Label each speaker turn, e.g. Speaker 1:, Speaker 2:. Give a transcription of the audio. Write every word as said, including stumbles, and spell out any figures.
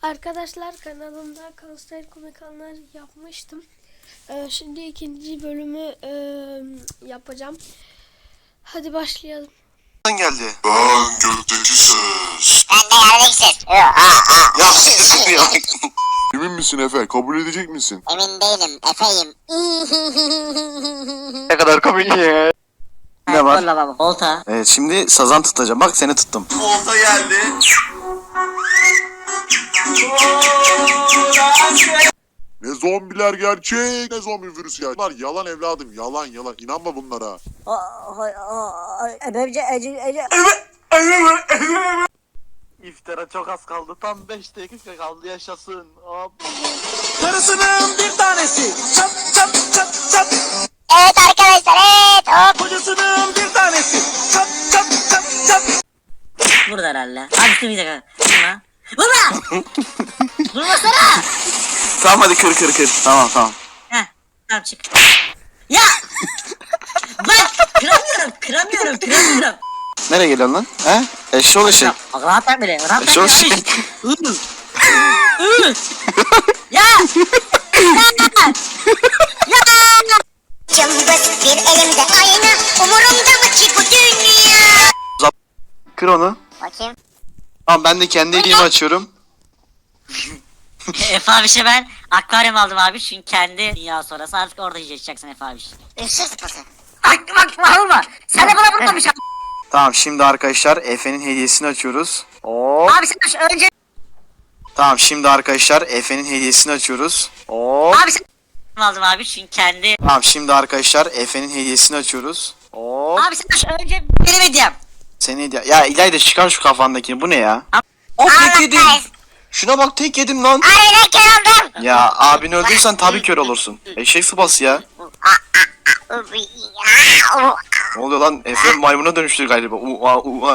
Speaker 1: Arkadaşlar kanalımda Kalsayır komik anlar yapmıştım. Ee, şimdi ikinci bölümü e, yapacağım. Hadi başlayalım.
Speaker 2: Geldi.
Speaker 3: Ben gökteki ses.
Speaker 4: Ben de yerdeki ses.
Speaker 2: Ya ya.
Speaker 3: Emin misin Efe? Kabul edecek misin?
Speaker 4: Emin değilim. Efeyim.
Speaker 2: Ne kadar komik ya. Ne var?
Speaker 4: Valla baba. Olta.
Speaker 2: Evet, şimdi sazan tutacağım. Bak seni tuttum.
Speaker 5: Olta geldi.
Speaker 3: Ne zombiler gerçek, ne zombi virüsü gerçek. Bunlar yalan evladım, yalan yalan. İnanma bunlara.
Speaker 5: İftara çok az kaldı. Tam beş dakika kaldı. Yaşasın. Hop. Karısının bir tanesi. Çap çap çap çap.
Speaker 4: Evet arkadaşlar evet. Hop.
Speaker 5: Kocasının bir tanesi. Çap çap çap çap.
Speaker 4: Burada herhalde. Abi dur bir dakika. Vurma. Vurma. Vurmasana.
Speaker 2: Tamam hadi kır kır kır. Tamam tamam.
Speaker 4: Heh. Tamam çık. Ya. Bak kıramıyorum. Kıramıyorum. Kıramıyorum.
Speaker 2: Nereye geliyorsun lan? He? Eşşoğlu eşek.
Speaker 4: Rahat ver beni. Rahat ver
Speaker 2: Eşşoğlu
Speaker 4: beni.
Speaker 2: eşek.
Speaker 4: Ya.
Speaker 6: Cımbız bir elimde ayna, umurumda mı ki bu dünya?
Speaker 2: Kır onu.
Speaker 4: Bakayım.
Speaker 2: Tamam, ben de kendi hediyemi açıyorum.
Speaker 4: Efe abişe ben akvaryum aldım abi çünkü kendi dünya sonrası artık orada yaşayacaksın Efe abiş. Işık sıpası. Bak bak bak olma. Sen de bana vurmamış abi.
Speaker 2: Tamam, şimdi arkadaşlar Efe'nin hediyesini açıyoruz. Oo.
Speaker 4: Abi sen önce.
Speaker 2: Tamam, şimdi arkadaşlar Efe'nin hediyesini açıyoruz. Oo.
Speaker 4: Abi sen aldım abi çünkü kendi.
Speaker 2: Tamam, şimdi arkadaşlar Efe'nin hediyesini açıyoruz. Oo.
Speaker 4: Abi sen önce benim hediyem.
Speaker 2: Senin hediye. Ya İlayda, çıkar şu kafandakini. Bu ne ya? O tek yedim. Şuna bak, tek yedim lan.
Speaker 4: Aynen kör oldum.
Speaker 2: Ya abini öldürürsen tabii kör olursun. Eşek sıpası ya. Ne oluyor lan? Efe maymuna dönüştü galiba. Ua ua.